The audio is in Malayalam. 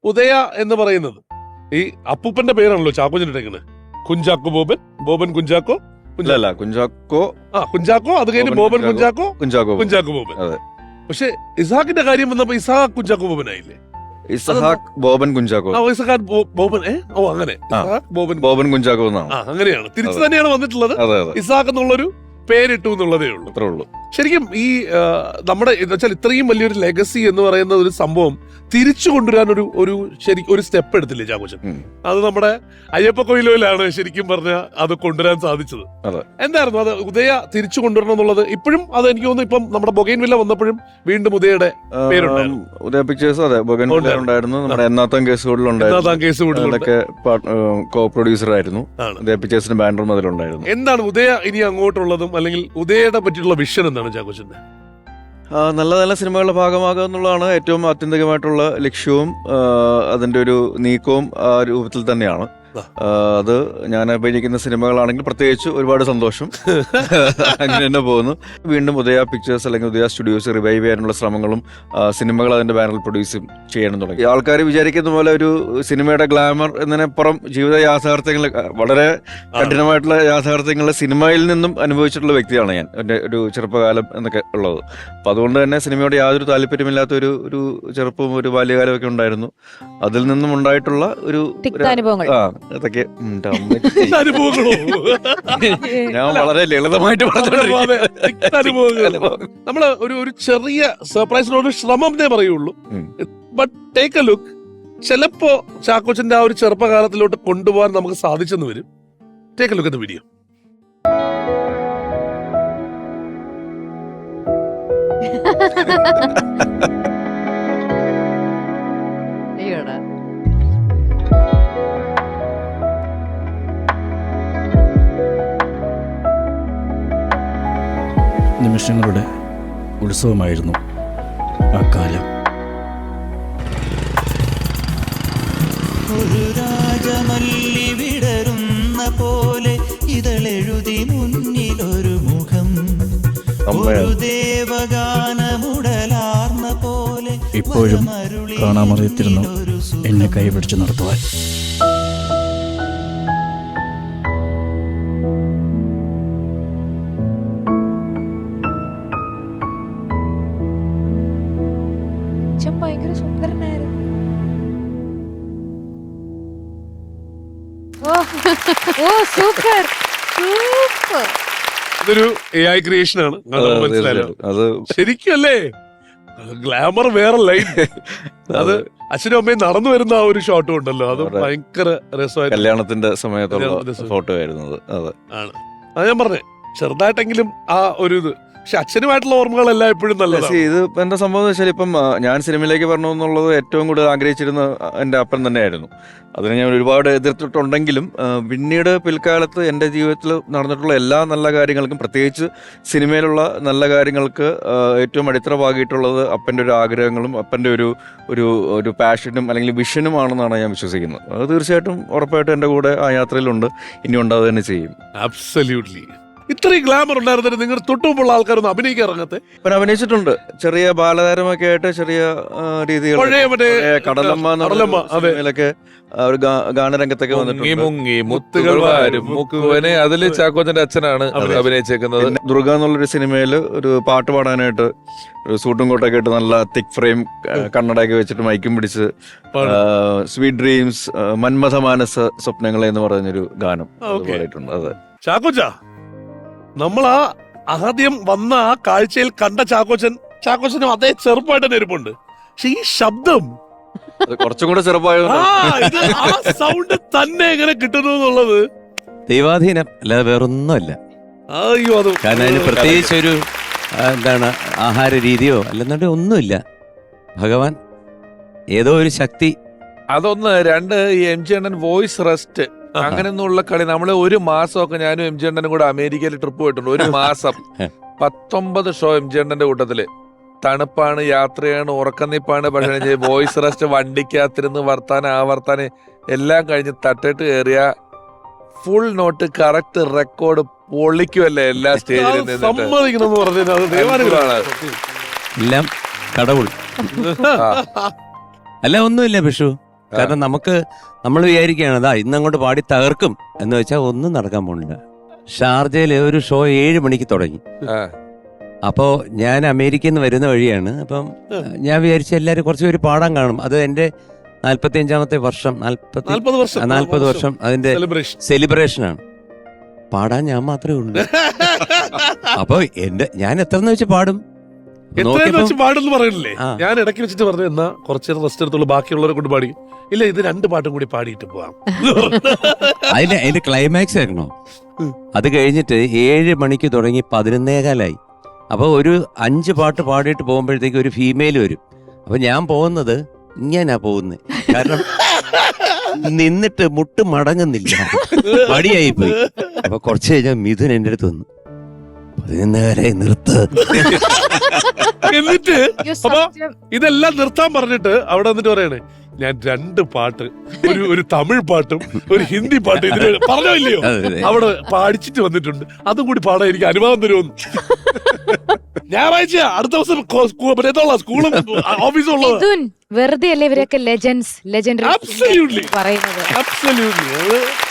ഉദയ എന്ന് പറയുന്നത് ഈ അപ്പൂപ്പന്റെ പേരാണല്ലോ ചാക്കോച്ചിട്ടേക്കുന്നത്. കുഞ്ചാക്കോ ബോബൻ, ബോബൻ കുഞ്ചാക്കോ, അല്ല കുഞ്ചാക്കോ, കുഞ്ചാക്കോ, അത് കഴിഞ്ഞ് ബോബൻ കുഞ്ചാക്കോ, കുഞ്ചാക്കോ ബോബൻ. പക്ഷെ ഇസാഖിന്റെ കാര്യം വന്നപ്പോ ഇസാഖ് കുഞ്ചാക്കോ ബോബൻ ആയില്ലേ? ഇസഹാക്ക് ബോബൻ കുഞ്ചാക്കോ, ഇസഹാക്ക് ബോബൻ. അങ്ങനെ ബോബൻ കുഞ്ചാക്കോ അങ്ങനെയാണ് തിരിച്ചു തന്നെയാണ് വന്നിട്ടുള്ളത്. ഇസാഖ് എന്നുള്ളൊരു പേരിട്ടു എന്നുള്ളതേ ഉള്ളൂ. അത്രേ ഉള്ളൂ. ശരിക്കും ഈ നമ്മുടെ വെച്ചാൽ ഇത്രയും വലിയൊരു ലെഗസി എന്ന് പറയുന്ന ഒരു സംഭവം തിരിച്ചു കൊണ്ടുവരാൻ ഒരു സ്റ്റെപ്പ് എടുത്തില്ലേ ചാക്കോച്ചൻ? അത് നമ്മുടെ അയ്യപ്പ കൊയിലോയിലാണ് ശരിക്കും പറഞ്ഞാൽ അത് കൊണ്ടുവരാൻ സാധിച്ചത്. എന്തായിരുന്നു അത് ഉദയ തിരിച്ചു കൊണ്ടുവരണം എന്നുള്ളത്? ഇപ്പോഴും അത് എനിക്ക് തോന്നുന്നു ഇപ്പം നമ്മുടെ ബൊഗൈൻവില്ല വന്നപ്പോഴും വീണ്ടും ഉദയയുടെ പേരുണ്ടായിരുന്നു. ഉദയ പിക്ചേഴ്സ്, അതെ, ബൊഗൈൻവില്ല ഉണ്ടായിരുന്നു. നമ്മുടെ എന്നാത്താം കേസുകളിലൊക്കെ കോ പ്രൊഡ്യൂസർ ആയിരുന്നു. ഉദയ പിക്ചേഴ്സിന്റെ ബാനറും അതിലുണ്ടായിരുന്നു. എന്താണ് ഉദയ ഇനി അങ്ങോട്ടുള്ളതും അല്ലെങ്കിൽ ഉദയയുടെ പറ്റിയുള്ള വിഷൻ എന്താണ് ചാക്കോച്ചന്റെ? നല്ല നല്ല സിനിമകളുടെ ഭാഗമാകുക എന്നുള്ളതാണ് ഏറ്റവും ആത്യന്തികമായിട്ടുള്ള ലക്ഷ്യവും അതിന്റെ ഒരു നീക്കവും ആ രൂപത്തിൽ തന്നെയാണ്. അത് ഞാൻ അഭിനയിക്കുന്ന സിനിമകളാണെങ്കിൽ പ്രത്യേകിച്ച് ഒരുപാട് സന്തോഷം. അങ്ങനെ തന്നെ പോകുന്നു. വീണ്ടും ഉദയ പിക്ചേഴ്സ് അല്ലെങ്കിൽ ഉദയ സ്റ്റുഡിയോസ് റിവൈവ് ചെയ്യാനുള്ള ശ്രമങ്ങളും സിനിമകൾ അതിന്റെ ബാനറിൽ പ്രൊഡ്യൂസ് ചെയ്യണം തുടങ്ങി. ആൾക്കാർ വിചാരിക്കുന്ന പോലെ ഒരു സിനിമയുടെ ഗ്ലാമർ എന്നതിനപ്പുറം ജീവിത യാഥാർത്ഥ്യങ്ങൾ, വളരെ കഠിനമായിട്ടുള്ള യാഥാർത്ഥ്യങ്ങൾ സിനിമയിൽ നിന്നും അനുഭവിച്ചിട്ടുള്ള വ്യക്തിയാണ് ഞാൻ, എൻ്റെ ഒരു ചെറുപ്പകാലം എന്നൊക്കെ ഉള്ളത്. അപ്പം അതുകൊണ്ട് തന്നെ സിനിമയോട് യാതൊരു താല്പര്യമില്ലാത്ത ഒരു ചെറുപ്പവും ഒരു ബാല്യകാലമൊക്കെ ഉണ്ടായിരുന്നു. അതിൽ നിന്നും ഉണ്ടായിട്ടുള്ള ഒരു അതൊക്കെ ഞാൻ വളരെ ലളിതമായിട്ട് നമ്മള് ഒരു ചെറിയ സർപ്രൈസിനോട് ശ്രമം എന്നേ പറയുള്ളൂ. But take a look. ചിലപ്പോ ചാക്കോച്ചന്റെ ആ ഒരു ചെറുപ്പകാലത്തിലോട്ട് കൊണ്ടുപോകാൻ നമുക്ക് സാധിച്ചെന്ന് വരും. Take a look at the video. നിമിഷങ്ങളുടെ ഉത്സവമായിരുന്നു ആ കാലം. ഒരു രാജമല്ലി വിടരുന്ന പോലെ ഇതളെഴുതി മുന്നിലൊരു മുഖം, ഒരു ദേവഗാനമുടലാർന്ന പോലെ ഇപ്പോഴും കാണാമറിയത്തിരുന്നു എന്നെ കൈപിടിച്ച് നടത്തുവാൻ. ഭയങ്കര സുന്ദരനായിരുന്നു. Super super. ഇതൊരു AI ക്രിയേഷൻ ആണ്. അത് ശരിക്കും അല്ലേ? ഗ്ലാമർ വേറെ ലൈൻ. അത് അച്ഛനും അമ്മയും നടന്നു വരുന്ന ആ ഒരു ഷോട്ടും ഉണ്ടല്ലോ, അത് ഭയങ്കര രസമായിരുന്നു. കല്യാണത്തിന്റെ സമയത്തുള്ള ഫോട്ടോ ആയിരുന്നത്. അത് ഞാൻ പറഞ്ഞേ, ചെറുതായിട്ടെങ്കിലും ആ ഒരു ഇത്. പക്ഷെ അച്ഛനുമായിട്ടുള്ള ഓർമ്മകളെല്ലാം എപ്പോഴും നല്ലതാണ്. ഇത് എന്താ സംഭവം വെച്ചാൽ, ഇപ്പം ഞാൻ സിനിമയിലേക്ക് വരണം എന്നുള്ളത് ഏറ്റവും കൂടുതൽ ആഗ്രഹിച്ചിരുന്ന എൻ്റെ അപ്പൻ തന്നെയായിരുന്നു. അതിനെ ഞാൻ ഒരുപാട് എതിർത്തിട്ടുണ്ടെങ്കിലും പിന്നീട് പിൽക്കാലത്ത് എൻ്റെ ജീവിതത്തിൽ നടന്നിട്ടുള്ള എല്ലാ നല്ല കാര്യങ്ങൾക്കും, പ്രത്യേകിച്ച് സിനിമയിലുള്ള നല്ല കാര്യങ്ങൾക്ക് ഏറ്റവും അടിത്തറ പാകിയിട്ടുള്ളത് അപ്പൻ്റെ ഒരു ആഗ്രഹങ്ങളും അപ്പൻ്റെ ഒരു പാഷനും അല്ലെങ്കിൽ വിഷനുമാണെന്നാണ് ഞാൻ വിശ്വസിക്കുന്നത്. അത് തീർച്ചയായിട്ടും ഉറപ്പായിട്ടും എൻ്റെ കൂടെ ആ യാത്രയിലുണ്ട്, ഇനി ഉണ്ടാവുക തന്നെ ചെയ്യും. അബ്സല്യൂട്ട്ലി. ഇത്രയും ഗ്ലാമർ ഉണ്ടായിരുന്നിട്ട് നിങ്ങൾ തൊട്ടുമുമ്പുള്ള ആൾക്കാരൊന്നും അഭിനയിക്കാൻ ഇറങ്ങത്തെ? പിന്നെ അഭിനയിച്ചിട്ടുണ്ട്, ചെറിയ ബാലതാരമൊക്കെ ആയിട്ട് ചെറിയ രീതികൾ. കടലമ്മയിലൊക്കെ ഒരു ഗാനരംഗത്തൊക്കെ വന്നിട്ടുണ്ട്. അതില് ചാക്കോച്ചന്റെ അച്ഛനാണ് അഭിനയിച്ചേക്കുന്നത്. ദുർഗ എന്നുള്ളൊരു സിനിമയിൽ ഒരു പാട്ട് പാടാനായിട്ട് ഒരു സൂട്ടും കോട്ടൊക്കെ ഇട്ട് നല്ല തിക് ഫ്രെയിം കണ്ണടയൊക്കെ വെച്ചിട്ട് മൈക്കും പിടിച്ച് സ്വീറ്റ് ഡ്രീംസ് മന്മഥ മാനസ സ്വപ്നങ്ങളെ എന്ന് പറഞ്ഞൊരു ഗാനം പാടിയിട്ടുണ്ട്. അതെ ചാക്കോച്ച, നമ്മൾ ആദ്യം വന്ന ആ കാഴ്ചയിൽ കണ്ട ചാക്കോച്ചനും അതേ ചെറുപ്പമായിട്ട് തന്നെ ഇരിപ്പുണ്ട്. പക്ഷെ ഈ ശബ്ദം കുറച്ചും കൂടെ ചെറുപ്പമായത് സൗണ്ട് തന്നെ എങ്ങനെ കിട്ടുന്നു എന്നുള്ളത് ദൈവാധീനം അല്ലാതെ വേറൊന്നുമല്ല. അയ്യോ, അത് കാരണം അതിന് പ്രത്യേകിച്ച് ഒരു എന്താണ് ആഹാര രീതിയോ അല്ലെന്നുണ്ടെ ഒന്നുമില്ല. ഭഗവാൻ ഏതോ ഒരു ശക്തി. അതൊന്ന്. രണ്ട്, ഈ MG അണ്ണൻ വോയിസ് റെസ്റ്റ് അങ്ങനെയൊന്നുള്ള കളി. നമ്മള് ഒരു മാസമൊക്കെ ഞാനും MG അണ്ണനും കൂടെ അമേരിക്കയിൽ ട്രിപ്പ് പോയിട്ടുണ്ട്. ഒരു മാസം 19 ഷോ MG അണ്ണന്റെ കൂട്ടത്തില്. തണുപ്പാണ്, യാത്രയാണ്, ഉറക്കനിപ്പാണ്. പക്ഷേ വോയിസ് റെസ്റ്റ്, വണ്ടിക്കകത്തിരുന്ന് വർത്താനം എല്ലാം കഴിഞ്ഞ് തട്ടിട്ട് കയറിയ ഫുൾ നോട്ട് കറക്റ്റ് റെക്കോർഡ് പൊളിക്കുമല്ലേ എല്ലാ സ്റ്റേജിലും എല്ലാം കടവുൾ. അല്ല ഒന്നുമില്ല ബിഷു, കാരണം നമ്മൾ വിചാരിക്കുകയാണ് അതാ ഇന്നങ്ങോട്ട് പാടി തകർക്കും എന്ന് വെച്ചാൽ ഒന്നും നടക്കാൻ പോകുന്നില്ല. ഷാർജയില് ഒരു ഷോ 7 മണിക്ക് തുടങ്ങി. ആ. അപ്പോൾ ഞാൻ അമേരിക്കയിൽ നിന്ന് വരുന്ന വഴിയാണ്. അപ്പം ഞാൻ വിചാരിച്ച എല്ലാവരും കുറച്ച് പേര് പാടാൻ കാണും. അത് എൻ്റെ 45ാമത്തെ വർഷം 40 വർഷം അതിന്റെ സെലിബ്രേഷനാണ്. പാടാൻ ഞാൻ മാത്രമേ ഉള്ളൂ. അപ്പൊ ഞാൻ എത്രന്ന് വെച്ച് പാടും. എത്രയെന്ന് വെച്ച് പാടെന്ന് പറയണില്ലേ? ആ. ഞാൻ ഇടയ്ക്ക് വെച്ചിട്ട് പറഞ്ഞു എന്നാ കുറച്ച് നേരം റെസ്റ്റ് എടുത്തുള്ളൂ, ബാക്കിയുള്ളവരെ കൊണ്ട് പാടി. ഇല്ല, ഇത് 2 പാട്ടും കൂടി പാടിയിട്ട് പോവാം. അതിന്റെ ക്ലൈമാക്സ് ആയിരുന്നോ? അത് കഴിഞ്ഞിട്ട് 7 മണിക്ക് തുടങ്ങി 11:15 അപ്പൊ ഒരു 5 പാട്ട് പാടിയിട്ട് പോകുമ്പോഴത്തേക്ക് ഒരു ഫീമെയിൽ വരും. അപ്പൊ ഞാൻ പോകുന്നത് ഇങ്ങനാ പോകുന്നത്, കാരണം നിന്നിട്ട് മുട്ട് മടങ്ങുന്നില്ല, മടിയായി പോയി. അപ്പൊ കുറച്ച് കഴിഞ്ഞാൽ മിഥുൻ എന്റെ അടുത്ത് വന്നു, 11:15 നിർത്ത്. എന്നിട്ട് അയ്യോ, അപ്പൊ സത്യം. ഇതെല്ലാം നിർത്താൻ പറഞ്ഞിട്ട് അവിടെ വന്നിട്ട് പറയണേ, ഞാൻ 2 പാട്ട്, ഒരു തമിഴ് പാട്ടും ഒരു ഹിന്ദി പാട്ടും ഇതിന് പറഞ്ഞോ ഇല്ലയോ അവിടെ പാടിച്ചിട്ട് വന്നിട്ടുണ്ട്, അതും കൂടി പാടാൻ എനിക്ക് അനുവാദം തരുമെന്ന്. ഞായറാഴ്ച അടുത്ത ദിവസം സ്കൂളും ഓഫീസും ഉള്ളത്. മിഥുൻ, വെറുതെ അല്ലേ ഇവരൊക്കെ ലെജൻഡറി Absolutely. പറയുന്നത്. Absolutely.